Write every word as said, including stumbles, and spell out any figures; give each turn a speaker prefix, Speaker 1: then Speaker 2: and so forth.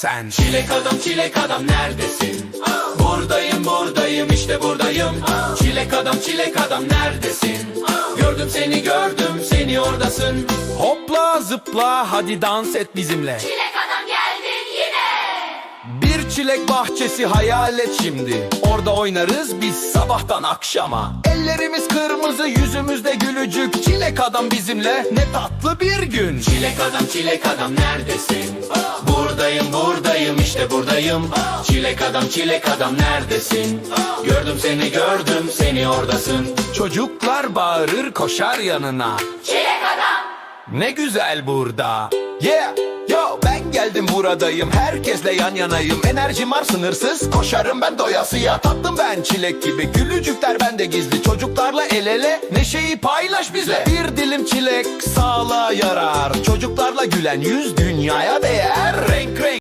Speaker 1: Sen çilek adam çilek adam neredesin? Buradayım buradayım işte buradayım. Çilek adam çilek adam neredesin? Gördüm seni gördüm seni oradasın. Hopla zıpla hadi dans et bizimle.
Speaker 2: Çilek adam geldin yine.
Speaker 1: Bir çilek bahçesi hayal et şimdi. Orada oynarız biz sabahtan akşama. Ellerimiz kırmızı yüzümüzde gülücük. Çilek adam bizimle ne tatlı bir gün. Çilek adam çilek adam neredesin? Buradayım buradayım işte buradayım. Çilek adam çilek adam neredesin? Gördüm seni gördüm seni oradasın. Çocuklar bağırır koşar yanına.
Speaker 2: Çilek adam.
Speaker 1: Ne güzel burada. Yeah, yo ben geldim buradayım. Herkesle yan yanayım. Enerjim var sınırsız. Koşarım ben doyasıya. Tatlım ben çilek gibi. Gülücükler bende gizli. Çocuklarla el ele. Neşeyi paylaş bizle. Bir dilim çilek sağlığa yarar. Çocuklarla gülen yüz dünyaya değer. Renk renk.